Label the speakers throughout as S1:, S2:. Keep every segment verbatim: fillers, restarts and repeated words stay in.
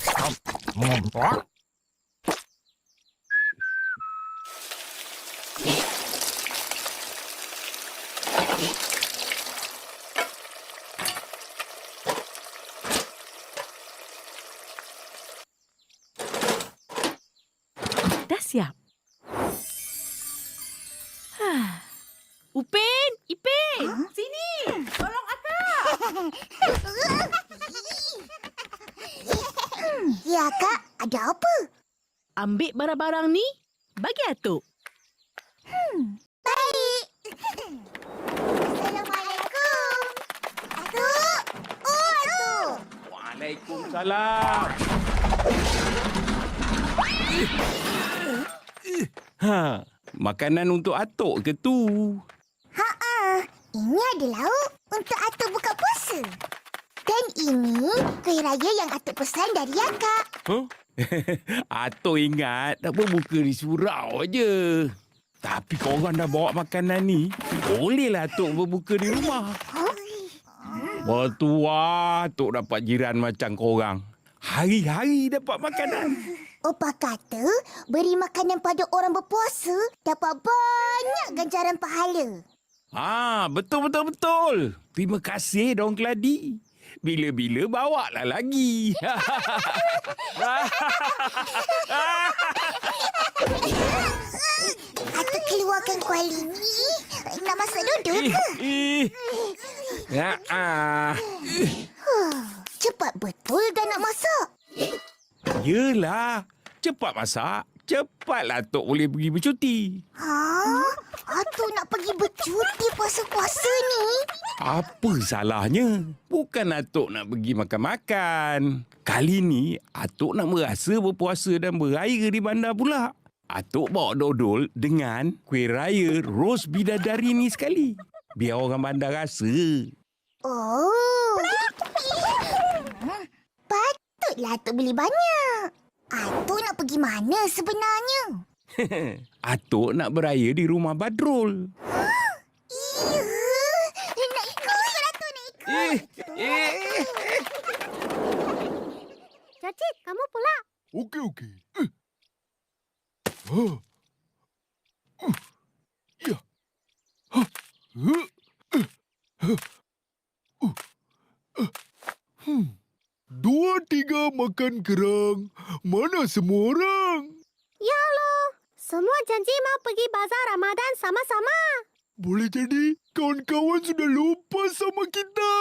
S1: Dah siap. Ha. Upin, Ipin, huh? Sini. Tolong akak.
S2: Ya, Kak. Ada apa?
S1: Ambil barang-barang ni, bagi Atuk.
S2: Hmm, baik. Assalamualaikum. Atuk. Oh, Atuk.
S3: Waalaikumsalam. Ha, makanan untuk Atuk ke tu?
S2: Ha-ha. Ini ada lauk untuk Atuk buka puasa. Dan ini kuih raya yang Atuk pesan dari akak.
S3: Huh? Atuk ingat tak berbuka di surau aje. Tapi korang dah bawa makanan ni, bolehlah Atuk berbuka di rumah.
S2: Huh?
S3: Bertuah Atuk dapat jiran macam korang. Hari-hari dapat makanan.
S2: Opah kata beri makanan pada orang berpuasa dapat banyak ganjaran pahala.
S3: Ah, betul-betul-betul. Terima kasih Dong Keladi. Bila-bila bawa lah lagi.
S2: Atuk keluarkan kuali ni. Nak masak duduk ke?
S3: Eh, ya, ah.
S2: Cepat betul dah nak masak.
S3: Yelah, cepat masak. Cepatlah Atuk boleh pergi bercuti.
S2: Ha? Atuk nak pergi bercuti puasa-puasa ni?
S3: Apa salahnya? Bukan Atuk nak pergi makan-makan. Kali ni, Atuk nak merasa berpuasa dan beraya di bandar pula. Atuk bawa dodol dengan kuih raya ros bidadari ni sekali. Biar orang bandar rasa.
S2: Oh. Patutlah Atuk beli banyak. Atuk nak pergi mana sebenarnya?
S3: Atuk nak beraya di rumah Badrul.
S2: Iya. Nak ikut, Atuk nak ikut.
S3: Eh, eh, eh.
S2: Cacik, kamu pula.
S4: Okey, okey. Uh. Uh. Uh. Ya. Ha. Uh. Uh. Uh. Uh. Uh. Hmm. Dua tiga makan kerang. Mana semua orang?
S2: Ya loh. Semua janji mau pergi bazar Ramadan sama-sama.
S4: Boleh jadi kawan-kawan sudah lupa sama kita.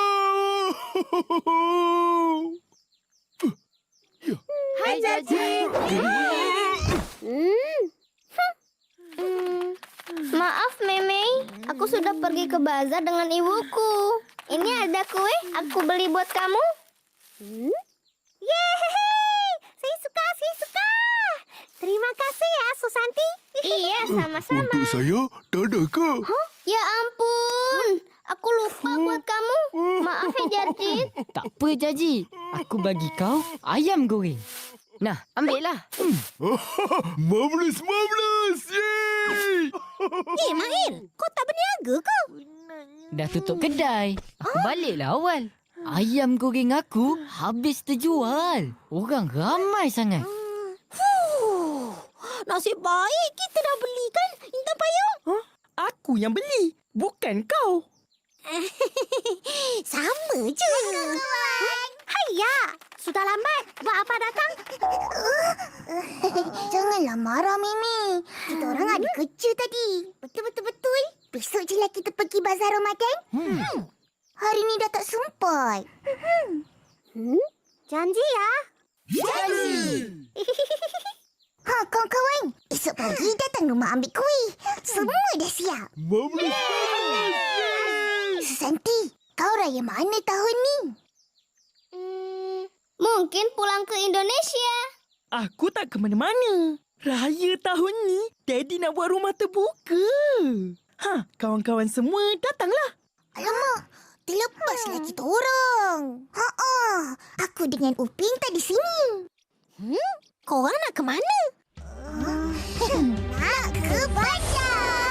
S4: Uh. Ya.
S1: Hai, Cacik.
S5: Hmm. Hmm. Maaf, Meme. Aku sudah pergi ke bazar dengan ibuku. Ini ada kue aku beli buat kamu. Hmm? Yeay! Saya suka, saya suka. Terima kasih ya, Susanti. Iya, sama-sama.
S4: Untuk saya, tak ada ke?
S5: Huh? Ya ampun. Aku lupa buat kamu. Maaf ya, Jadid.
S6: Tak apa, Jaji. Aku bagi kau ayam goreng. Nah, ambillah.
S4: Marvelous, marvelous! Yeay!
S2: Eh, Mahir. Kau tak berniaga ke?
S6: Dah tutup kedai. Aku baliklah awal. Ayam goreng aku habis terjual. Orang ramai sangat.
S2: Fuh. Nasib baik kita dah beli kan, Intan Payung?
S1: Huh? Aku yang beli, bukan kau.
S2: Sama je. Hayya, sudah lambat. Buat apa datang? Janganlah marah, Mimi. Kita orang ada kerja tadi. Betul-betul-betul. Besok je lah kita pergi bazar Ramadan. Hmm. hmm. Hari ni dah tak sempat. Hmm? Janji ya? Janji! Ha, kawan-kawan. Esok pagi datang rumah ambil kuih. Semua dah siap.
S4: Marvelous, marvelous!
S2: Susanti, kau raya mana tahun ni?
S5: Hmm, mungkin pulang ke Indonesia.
S1: Aku tak ke mana-mana. Raya tahun ni, Daddy nak buat rumah terbuka. Ha, kawan-kawan semua datanglah.
S2: Alamak, terlepaslah kita orang. Ha-ha, aku dengan Upin tak di sini. Hmm? Korang nak ke mana? Nak ke bandar.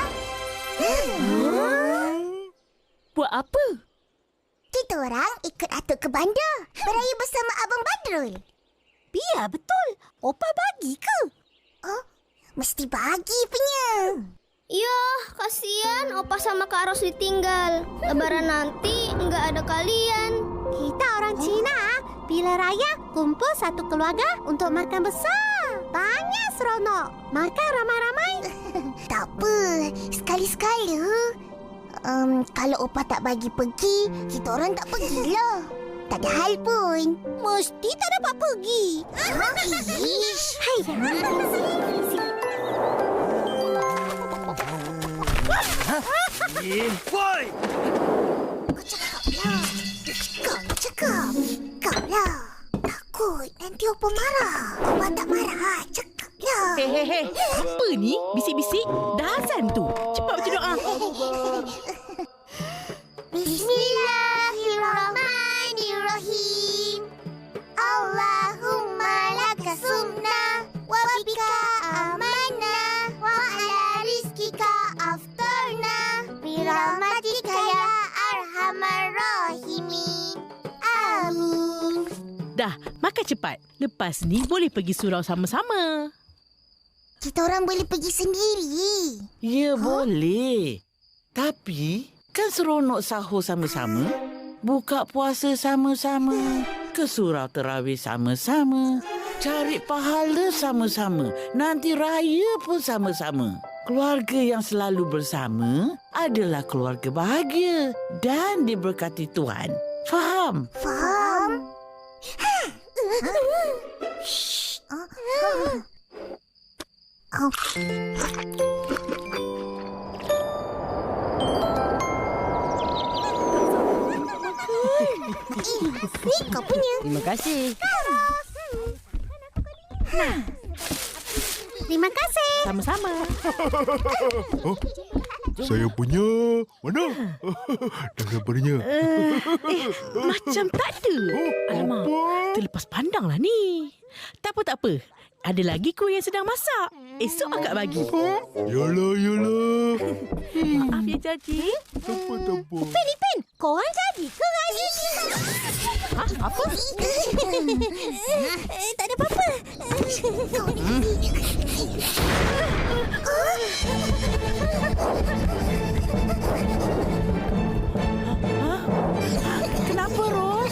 S1: Buat apa?
S2: Kita orang ikut Atuk ke bandar. Beraya bersama Abang Badrul. Biar betul. Opa bagi ke? Oh, mesti bagi punya.
S5: Ya, kasihan Opa sama Kak Ros ditinggal. Lebaran nanti nggak ada kalian.
S2: Kita orang Cina, bila raya kumpul satu keluarga untuk makan besar. Banyak seronok. Makan ramai-ramai. Tak apa, sekali-sekala. Um, kalau Opa tak bagi pergi, kita orang tak pergilah. Tak ada hal pun. Mesti tak dapat pergi. Ish. Hai.
S4: Eh, woi!
S2: Kau cakap. Kau lah. Takut nanti Opa marah. Opa tak marah. Cakaplah.
S1: Hei, hei, hei. Apa ni? Bisik-bisik? Dah azan tu. Cepat baca doa.
S2: Bismillahirrahmanirrahim. Allahumma laka sumna wa bika amanna wa ala rizkika aftarna birahmatika ya arhamar rahimin. Amin.
S7: Dah, makan cepat. Lepas ni boleh pergi surau sama-sama.
S2: Kita orang boleh pergi sendiri.
S8: Ya, boleh. Tapi, kan seronok sahur sama-sama, buka puasa sama-sama, ke surau terawih sama-sama, cari pahala sama-sama, nanti raya pun sama-sama. Keluarga yang selalu bersama adalah keluarga bahagia dan diberkati Tuhan. Faham?
S2: Faham? Shh. Oh. Ni kau punya.
S6: Terima kasih.
S2: Terima kasih.
S7: Sama-sama.
S4: Saya punya. Mana? Dah sabarnya.
S7: Uh, eh, macam tak ada. Alamak,
S4: Apa?
S7: terlepas pandang lah ni. Tak apa, tak apa. Ada lagi kuih yang sedang masak. Esok akak bagi.
S4: Yalah, yalah.
S7: Maaf ya, Jaji.
S4: Tak apa, tak apa.
S2: Pen, Pen. Korang jadi ke hari ni?
S7: Ha? Apa?
S2: Eh, tak ada apa-apa.
S7: Ha? Kenapa, Ros?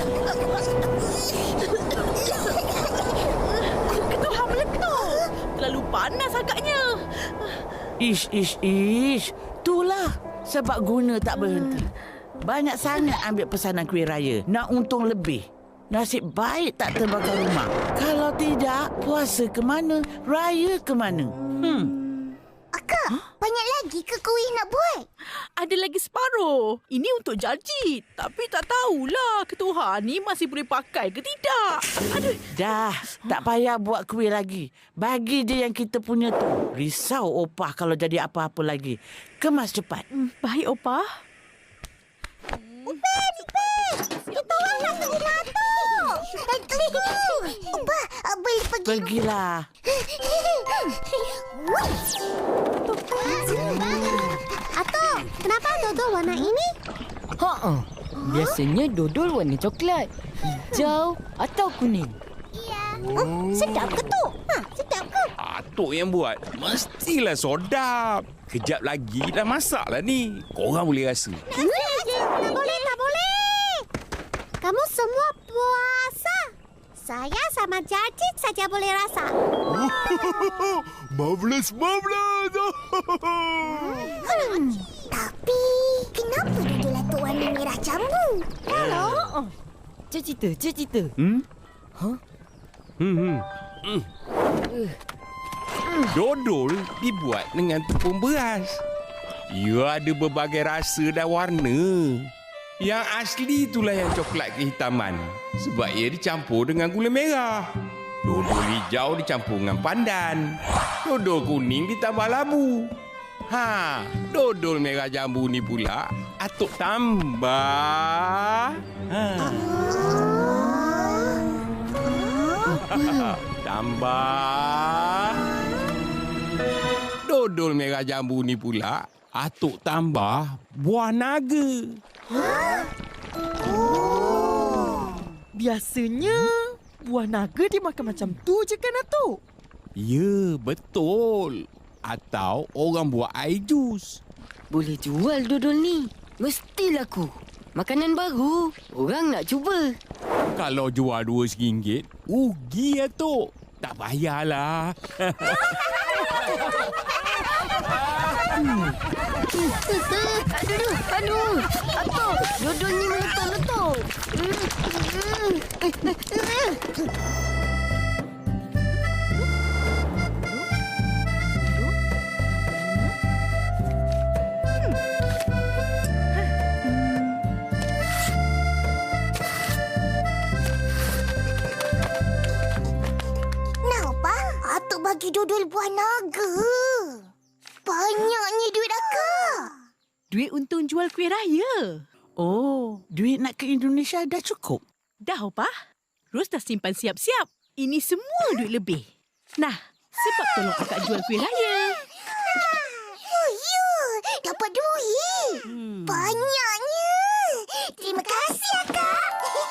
S7: Ketuhan meletup. Terlalu panas agaknya.
S8: Ish, ish, ish. Itulah sebab guna tak berhenti. Banyak sangat ambil pesanan kuih raya. Nak untung lebih. Nasib baik tak terbakar rumah. Kalau tidak, puasa ke mana? Raya ke mana? Hmm.
S2: Akak, huh? Banyak lagi ke kuih nak buat?
S7: Ada lagi separuh. Ini untuk Jaji. Tapi tak tahulah ketuhan ni masih boleh pakai ke tidak. Aduh.
S8: Dah, tak payah buat kuih lagi. Bagi je yang kita punya tu. Risau opah kalau jadi apa-apa lagi. Kemas cepat.
S7: Hmm, baik, Opah.
S2: Pen, Pen. Kita orang nak ke rumah tu. Eh, tunggu. Ubah, boleh pergi.
S8: Pergilah.
S2: Atuk, kenapa dodol warna ini?
S6: Ha-ha. Biasanya dodol warna coklat, hijau atau kuning.
S2: Oh, sedap ke tu? Ha, sedap ke?
S3: Atuk yang buat. Mestilah sedap. Kejap lagi dah masak lah ni. Korang boleh rasa.
S2: Tak boleh, tak boleh. Kamu semua puasa. Saya sama Jajit saja boleh rasa.
S4: Marvelous, marvelous.
S2: Hmm, tapi kenapa dodol atuk warna merah jambu? Hello?
S6: Cik cerita, cik cerita.
S3: Hmm? Hmm, hmm. Hmm. Dodol dibuat dengan tepung beras. Ia ada berbagai rasa dan warna. Yang asli itulah yang coklat kehitaman. Sebab ia dicampur dengan gula merah. Dodol hijau dicampur dengan pandan. Dodol kuning ditambah labu. Ha, dodol merah jambu ni pula atuk tambah. Ha. Tambah. Dodol merah jambu ni pula atuk tambah buah naga.
S1: Biasanya Buah naga dia makan macam tu je kan, Atuk?
S3: Ya, betul. Atau orang buat air jus.
S9: Boleh jual dodol ni. Mesti laku. Makanan baru. Orang nak cuba.
S3: Kalau jual dua ringgit, rugi Atuk. Tak payahlah.
S9: Aduh, aduh. Atuk, dodol ni meletup-letup.
S2: Nampak? Atuk bagi dodol buah naga. Banyaknya duit akak.
S7: Duit untung jual kuih raya.
S8: Oh, duit nak ke Indonesia dah cukup?
S7: Dah, Opah. Ros dah simpan siap-siap. Ini semua duit lebih. Nah, sebab tolong akak jual kuih raya.
S2: Oh, ya. Dapat duit.
S7: Hmm.
S2: Banyaknya. Terima kasih, akak.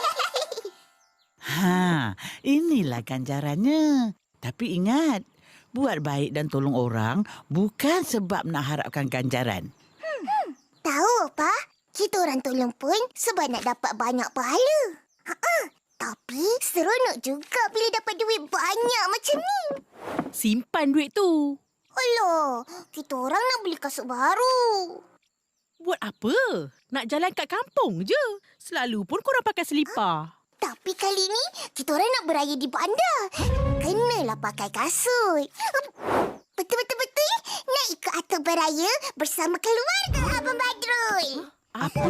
S8: Ha, inilah ganjarannya. Tapi ingat, buat baik dan tolong orang bukan sebab nak harapkan ganjaran.
S2: Tahu apa? Kita orang tolong pun sebab nak dapat banyak pahala. Ha-ha. Tapi seronok juga bila dapat duit banyak macam ni.
S7: Simpan duit tu.
S2: Alah, kita orang nak beli kasut baru.
S7: Buat apa? Nak jalan kat kampung je. Selalu pun korang pakai selipar.
S2: Tapi kali ni, kita orang nak beraya di bandar. Kenalah pakai kasut. Betul-betul-betul nak ikut Atuk beraya bersama keluarga Abang Badrul.
S7: Apa?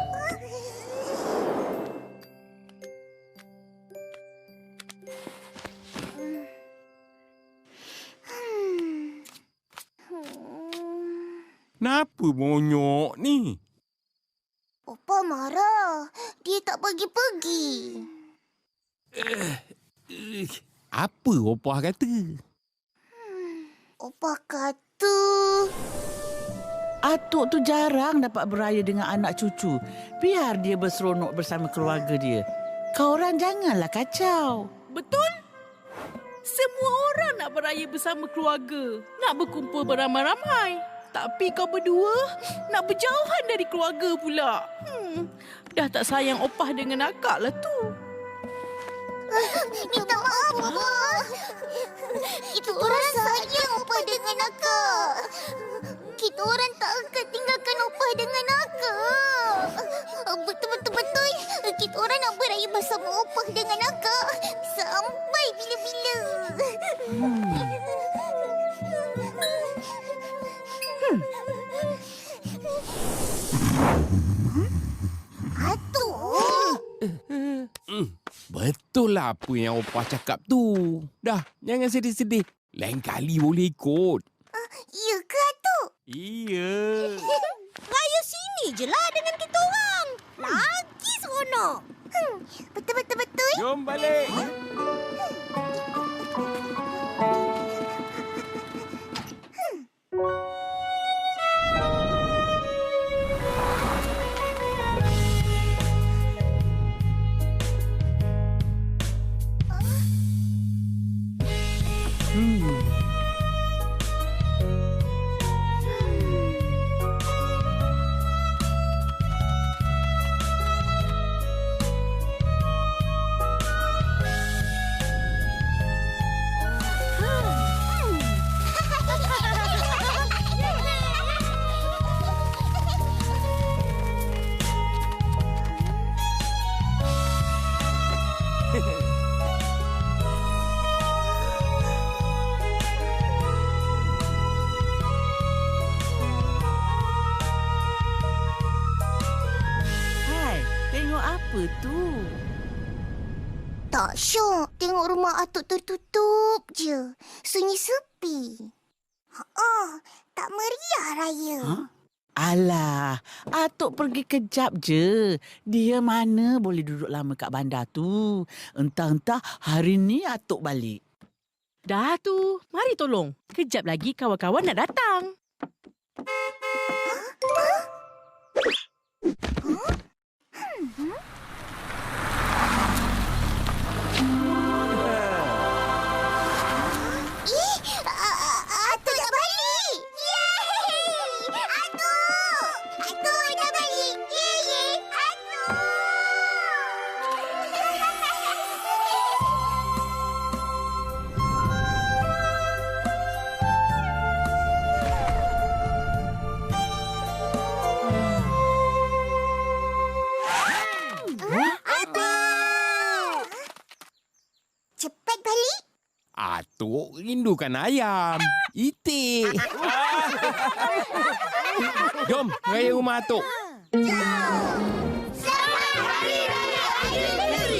S3: Kenapa monyok ni?
S2: Opa marah. Dia tak pergi-pergi.
S3: Eh, apa Opah kata?
S2: Opa kata...
S8: Atuk tu jarang dapat beraya dengan anak cucu. Biar dia berseronok bersama keluarga dia. Kau orang janganlah kacau.
S7: Betul? Semua orang nak beraya bersama keluarga. Nak berkumpul beramai-ramai. Tapi kau berdua nak berjauhan dari keluarga pula. Hmm, dah tak sayang Opah dengan akak lah tu.
S2: Minta maaf, Opa. Kita orang sayang Opa dengan akak. Kita orang tak akan tinggalkan Opa dengan akak. Betul-betul-betul. Kita orang nak beraya bersama Opa dengan akak. Sampai bila-bila.
S8: Hmm.
S2: Atuk.
S3: Betul lah apa yang Opah cakap tu. Dah, jangan sedih-sedih. Lain kali boleh ikut.
S2: Ya ke, Atuk?
S3: Iya.
S2: Raya sini je lah dengan kita orang. Lagi seronok. Hmm, betul-betul-betul.
S3: Jom balik.
S8: Hai, tengok apa tu?
S2: Tak syok tengok rumah Atuk tertutup je. Sunyi sepi. Ha, tak meriah raya.
S8: Ha? Alah, Atuk pergi kejap je. Dia mana boleh duduk lama kat bandar tu. Entah-entah hari ni Atuk balik.
S7: Dah tu, mari tolong. Kejap lagi kawan-kawan nak datang.
S3: Atuk rindukan ayam. Itik. Jom, raya rumah Atuk.
S2: Selamat Hari Raya Aidilfitri.